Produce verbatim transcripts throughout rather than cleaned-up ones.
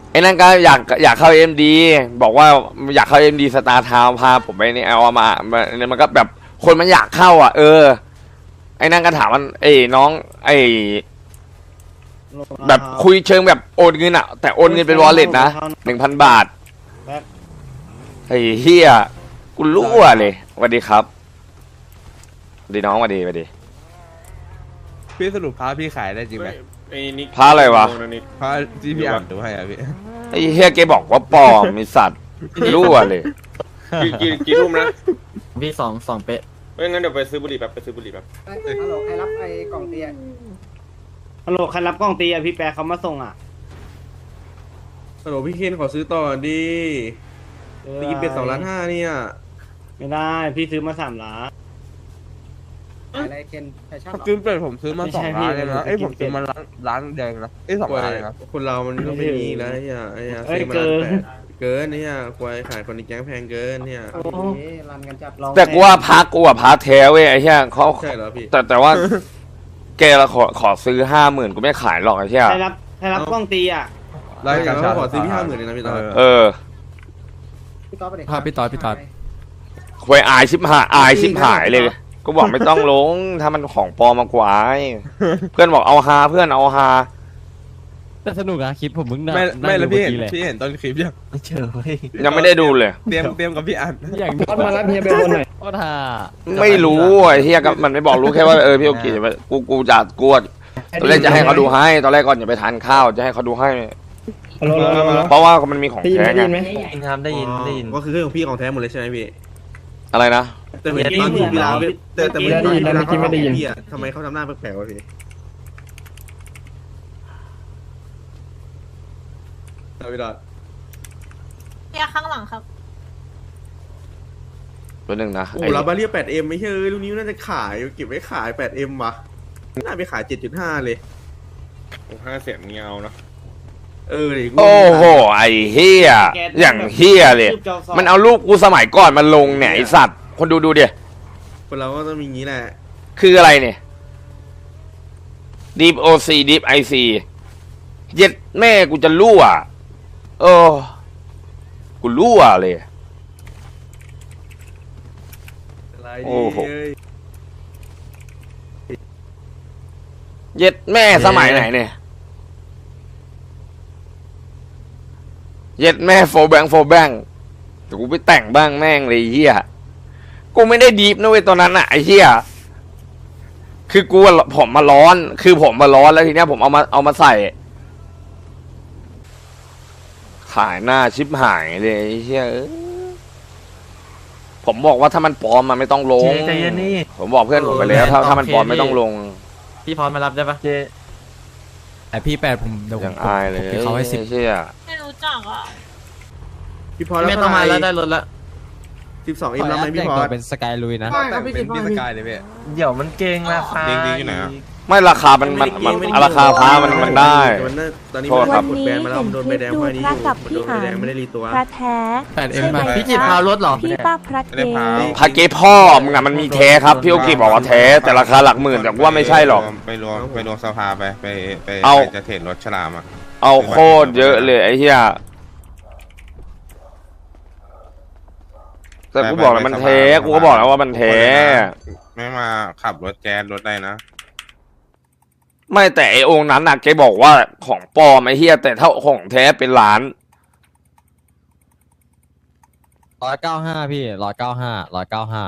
ไอ้นั่นก็อยากอยากเข้าเอ็มดีบอกว่าอยากเข้าเอ็มดีสตาร์ทาวพาผมไปนี่เอามาเนี่ยมันก็แบบคนมันอยากเข้าอ่ะเออไอ้นั่นก็ถามมันไอ้น้องไอ้แบบคุยเชิงแบบโอนเงินอ่ะแต่โอนเงินเป็นวอลเล็ตนะหนึ่งพันบาทไอ้เฮียกูรั่วเลยสวัสดีครับสวัสดีน้องสวัสดีสวัสดีพี่สรุปพาพี่ขายได้จริงไหมพาอะไรวะพาที่พี่อ่านดูให้อ่ะพี่ไอ้เฮียแกบอกว่าปลอมมีสัตว์รั่วเลยกี่กี่กี่ทุ่มนะพี่สองสองเป๊ะไม่งั้นเดี๋ยวไปซื้อบุหรี่แบบไปซื้อบุหรี่แบบฮัลโหลใครรับไอ้กล่องเตียฮัลโหลใครรับกล่องเตียพี่แปรเขามาส่งอ่ะฮัลโหลพี่เคนขอซื้อต่อดิตีเป็นสองล้านห้าเนี่ยไม่ได้พี่ซื้อมาสามล้านอะไรเคนแฟชั่นหรอซื้อเป็ดผมซื้อมาสองล้านเลยนะเอ้ยผมซื้อมาล้านล้านแดงนะเอ้ยสองล้านเลยนะคนเรามันก็ไม่มีแล้วเนี่ยไอ้เนี่ยซื้อมาล้านแปดเกินเนี่ยควายขายคนในแก๊งแพงเกินเนี่ยรันกันจับแต่กูว่าพักกูอะพักแท้เว้ยไอ้เหี้ยเขาใช่เหรอพี่แต่แต่ว่าแกละขอขอซื้อห้าหมื่นกูไม่ขายหรอกไอ้เหี้ยใครรับใครรับกล้องตีอ่ะรายการเขาขอซื้อพี่ห้าหมื่นเลยนะพี่ต่อเออพี่ต๊อดไปเด็กพี่ต่อพี่ต่อควายอายชิบหายอายชิบหายเลยกูบอกไม่ต้องลงถ้ามันของปลอมมากว่าเพื่อนบอกเอาฮาเพื่อนเอาฮาแต่สนุกอะคลิปผมมึงไม่ไม่แล้วพี่เห็นพี่เห็นตอนคลิปยังไม่เจอเฮ้ยยังไม่ได้ดูเลยเตรียมเตรียมกับพี่อันอย่างตอนมารับเฮียไปบนหน่อยก็ท่าไม่รู้ไอ้เฮียกับมันไม่บอกรู้แค่ว่าเออพี่โอเคกูกูจะกวดตอนแรกจะให้เขาดูให้ตอนแรกก่อนอย่าไปทานข้าวจะให้เขาดูให้เพราะว่ามันมีของแท้ไงได้ยินครับได้ยินได้ยินก็คือเครื่องของพี่ของแท้หมดเลยใช่ไหมพี่อะไรนะแต่เหมือนตอนที่พี่ลาแต่แต่ไม่ได้ยินนะไม่ได้ยินพี่อะทำไมเขาทำหน้าแปลกๆวะพี่ดาวิดาเรียกข้างหลังครับตัวหนึ่งนะโอ้เราบาเรีย แปดเอ็ม ไม่ใช่ลูกนี้น่าจะขายเก็บไว้ขาย แปดเอ็ม วะน่าไปขาย เจ็ดจุดห้า เลยห้าเสียงเงาเนาะเออดิโอ้โหไอ้เฮียอย่างเฮียเลยมันเอารูปกูสมัยก่อนมาลงเนี่ยไอสัตว์คนดูดูดิคนเราก็ต้องมีงี้แหละคืออะไรเนี่ย Deep โอ ซี Deep ไอ ซี เย็ดแม่กูจะรั่วเออกูรั่วเลยโอ้โหเย็ดแม่สมัยไหนเนี่ยเย็ดแม่โฟแบงโฟแบงแต่กูไปแต่งบ้างแม่งเลยเฮียกูไม่ได้ดีฟนะเว้ยตอนนั้นอะไอ้เฮียคือกูผมมาร้อนคือผมมาร้อนแล้วทีเนี้ยผมเอามาเอามาใส่ขายหน้าชิบหายเลยไอ้เฮียผมบอกว่าถ้ามันปลอมมันไม่ต้องลงใจเย็นนี่ผมบอกเพื่อนผมไปแล้วถ้าถ้ามันปลอมไม่ต้องลงพี่พร้อมมารับได้ปะเจไอพี่แปดผมเดี๋ยวผมอายเลยเขาให้สิบเชี่ยไม่รู้จักอ่ะพี่พอแล้วไม่ต้องมาแล้วได้รถละสิบสองอิมแล้วไหมพี่พอเป็นสกายลุยนะเป็นพี่สกายเลยพี่เดี๋ยวมันเก่งราคาเก่งดีอยู่ไหนไม่ราคามันมันมันราคาพามันมันได้ตอนนี้มันกดแบนมาแล้วโดนใบแดงพอนี้โดนใบแดงไม่ได้รีตัวพระแท้แปดเอ็มมาพี่จิตพารถหรอพี่ป้าพระเกพระเกพ่อมึงอะมันมีแท้ครับพี่โอเคบอกว่าแท้แต่ราคาหลักหมื่นแต่ว่าไม่ใช่หรอกไปรวมไปรวมสภาไปไปไปจะเทรดรถฉลามอ่ะเอาโคตรเยอะเลยไอ้เหี้ยแต่กูบอกแล้วมันแท้กูก็บอกแล้วว่ามันแท้ไม่มาขับรถแจ๊สรถได้นะไม่แต่ไอองค์นั้นน่ะแกบอกว่าของปลอมไอ้เฮียแต่ถ้าของแท้เป็นล้านร้อยเก้าห้าพี่ร้อยเก้าห้าร้อยเก้าห้า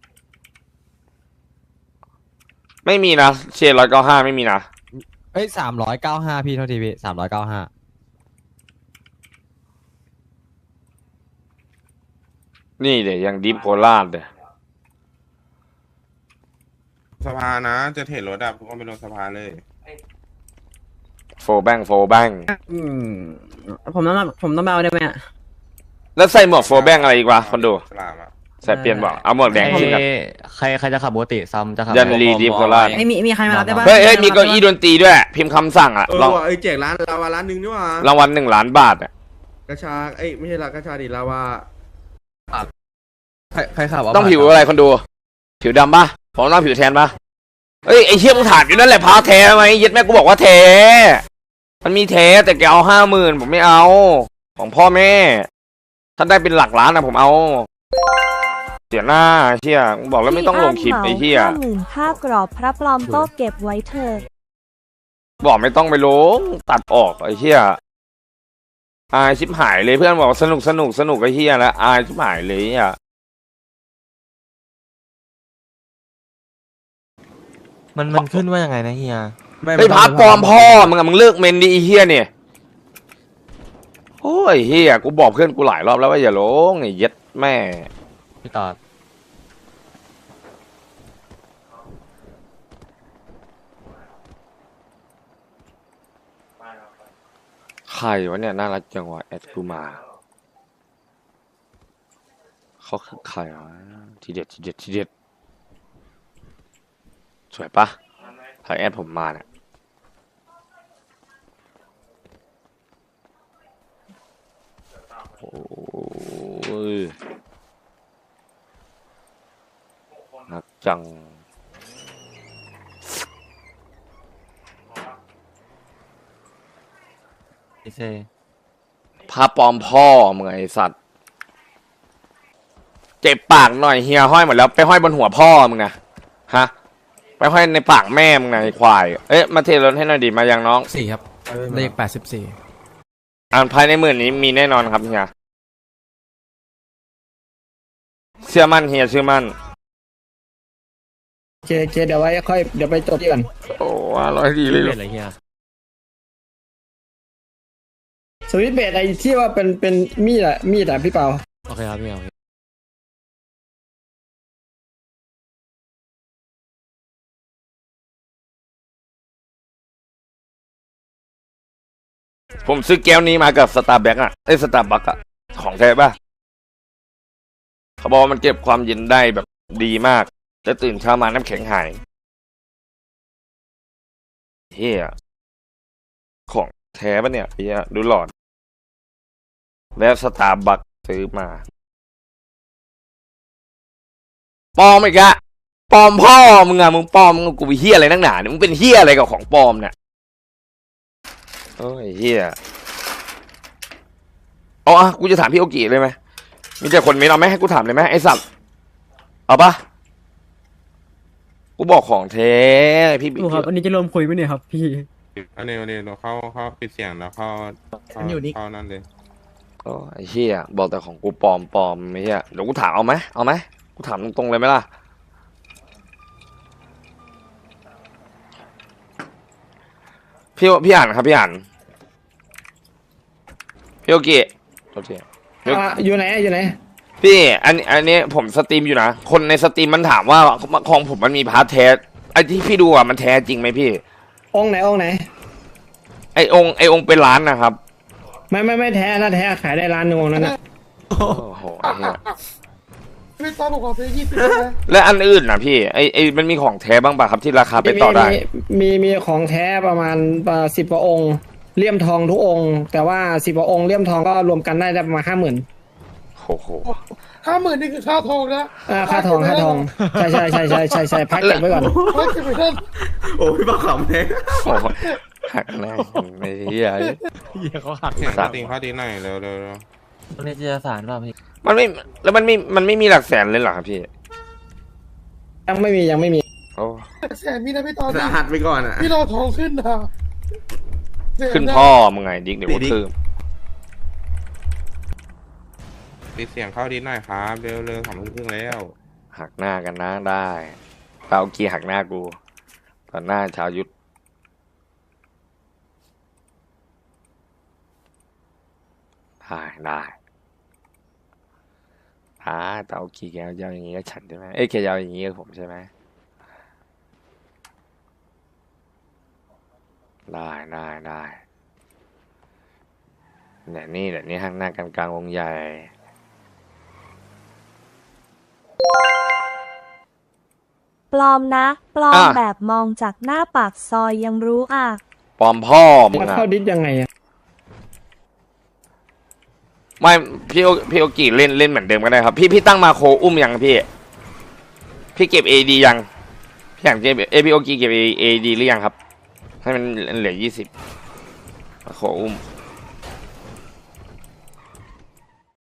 ไม่มีนะเชนร้อยเก้าห้าไม่มีนะเอ้ยสามร้อยเก้าห้าพี่เท่าทีพี่สามร้อยเก้าห้านี่เดี๋ยวยังดิฟโคราชเดี๋ยวสภานะจะเทรดรถอ่ะทุกคนไปลงสภาเลยโฟแบงโฟแบงอืมผมต้องผมต้องเอาได้ไหมแล้วใส่หมวกโฟแบงอะไรอีกวะคนดูใส่เปลี่ยนบอกเอาหมวกแดงขึ้นกันใครใครจะขับปกติซ้ำจะขับยันรีดิฟโคราชไม่มีมีใครมารับได้บ้างเฮ้ยเฮ้ยมีเก้าอี้ดนตรีด้วยพิมพ์คำสั่งอ่ะลองไอ้แจกร้านลาวาร้านหนึ่งนี่ว่ารางวัลหนึ่งล้านบาทอ่ะกระชาเอ้ยไม่ใช่ละกระชาดิลาวาใครใครขับต้องผิวอะไรคนดูผิวดำปะผมต้องผิวแทนปะเอ้ยไอ้เชี่ยมึงถามอยู่นั่นแหละพาแท้ไหมยึดแม่กูบอกว่าแท้มันมีแท้แต่แกเอาห้าหมื่นผมไม่เอา ของพ่อแม่ ถ้าได้เป็นหลักล้านนะผมเอา เสียหน้าเชี่ยบอกแล้วไม่ต้องลงคลิปไอ้เชี่ยห้าหมื่นค่ากรอบพระปลอมโต๊ะเก็บไว้เถอะบอกไม่ต้องไปลงตัดออกไอ้เชี่ยอายชิบหายเลยเพื่อนบอกสนุกสนุกสนุกไอ้เชี่ยแล้วอายชิบหายเลยอ่ะมันมันขึ้นว่ายังไงนะเฮียไอ้พักปลอมพ่อมึงอะมึงเลิกเมนดีไอ้เฮียเนี่ยโอ้ยเฮียกูบอกเพื่อนกูหลายรอบแล้วว่าอย่าลงไอ้เย็ดแม่พี่ตอดใครวะเนี่ยน่ารักจังวะแอดกูมาเขาคือใครวะทีเด็ดทีเด็ดทีเด็ดสวยปะถ่ายแอดผมมาเนี่ยโอ้ยนักจังพี่เซพาปลอมพ่อมึงไอสัตว์เจ็บปากหน่อยเฮียห้อยหมดแล้วไปห้อยบนหัวพ่อมึงนะฮะไปห้อยในปากแม่มึงไงไอ้ควายเอ๊ะมาเทรถให้หน่อยดิมายังน้องสี่ครับ เลขแปดสิบสี่อ่านภายในหมื่นนี้มีแน่นอนครับเฮียเชื่อมั่นเฮียเชื่อมั่นโอเคโอเคเดี๋ยวไว้ค่อยเดี๋ยวไปจดที่ก่อนโอ้อร่อยดีเลยเป็นอะไรเฮียสวิตช์เบสไอ้ที่ว่าเป็นเป็นมีดอะมีดอะพี่เปาโอเคครับพี่เอาผมซื้อแก้วนี้มากับสตาร์แบ็กอะไอ้สตาร์บัคอะของแท้ป่ะเขาบอกว่ามันเก็บความเย็นได้แบบดีมากจะตื่นเช้ามาน้ำแข็งหายเฮียของแท้ปะเนี่ยเฮียดูหลอดแล้วสตาร์บัคซื้อมาปลอมอีกอะปลอมพ่อมึงอะมึงปลอมมึงกูไปเฮียอะไรนักหนาเนี่ยมึงเป็นเฮียอะไรกับของปลอมเนี่ยโอ้ยเฮียเอาอะกูจะถามพี่โอกิเลยไหมมีแต่คนไม่เอาไหมให้กูถามเลยไหมไอ้สัตว์เอาปะกูบอกของแท้พี่บิ๊กครับอันนี้จะรวมคุยไหมเนี่ยครับพี่อันนี้อันนี้เราเข้าเข้าปิดเสียงแล้วเข้าเข้าเข้านั่นเลยโอ้ไอ้เฮียบอกแต่ของกูปลอมปลอมไอ้เฮียเดี๋ยวกูถามเอาไหมเอาไหมกูถามตรงๆเลยไหมล่ะพี่พี่อ่านครับพี่อ่านพี่โอกิโอเคอยู่ไหนอยู่ไหนพี่อันอันนี้ผมสตรีมอยู่นะคนในสตรีมมันถามว่าของผมมันมีพาร์ทแท้ไอ้ที่พี่ดูอ่ะมันแท้จริงไหมพี่องค์ไหนองค์ไหนไอองค์ไอองค์เป็นล้านนะครับไม่ไม่ไม่แท้นะแท้ขายได้ร้านหนึงองค์นั้นนะโอ้โหไอ้เหี้ยพี่ตอนบอกว่าซื้อยี่สิบและอันอื่นนะพี่ไอไอมันมีของแท้บ้างป่ะครับที่ราคาไปต่อได้มีมีของแท้ประมาณสิบกว่าองค์เลี่ยมทองทุกองค์แต่ว่าสิบกว่าองค์เลี่ยมทองก็รวมกันได้ได้ประมาณห้าหมื่นโอ้โหห้าหมื่นนี่คือค่าทองนะอ่าค่าทองค่าทองใช่ใช่ใช่ใช่ใช่ใช่พักเก็บไว้ก่อนไม่เก็บไว้ท่านโอ้พี่บ้าขำเลยโอ้โหหักหน้าไอ้เหี้ยเฮียเขาหักเสียงเขาตีเขาตีหน่อยเร็วเร็วเร็วตรงนี้จะสารเปล่าพี่มันไม่แล้วมันไม่มันไม่มีหลักแสนเลยเหรอครับพี่ยังไม่มียังไม่มีโอ้แสนมีนะพี่ตอนสหัสไปก่อนอ่ะพี่รอทองขึ้นนะแสะขึ้นพ่อมึงไงดิ๊กเดี๋ยวกูคืมปิดเสียงเข้าดีหน่อยครับเร็วเร็วสองทุ่มครึ่งแล้วหักหน้ากันนะได้เตากีหักหน้ากูตอนหน้าชาวยุทธได้ได้อ่าเตากีแกยาวอย่างงี้ก็ฉันใช่ไหมเอ้ยแกยาวอย่างงี้กับผมใช่ไหมได้ได้ได้เดี๋ยวนี้เดี๋ยวนี้หักหน้ากันกลางวงใหญ่ปลอมนะ ปลอมอ่ะแบบมองจากหน้าปากซอยยังรู้อ่ะปลอมพ่อมึงแล้วอะเข้าดิสยังไงอะไม่พี่โอพี่โอกิเล่นเล่นเหมือนเดิมก็ได้ครับ พี่พี่ตั้งมาโคอุ้มยังพี่ พี่เก็บเอดียังพี่อยากเก็บเอยพี่โอกิเก็บเอดีหรือยังครับ ให้มันเหลือยี่สิบขออุ้ม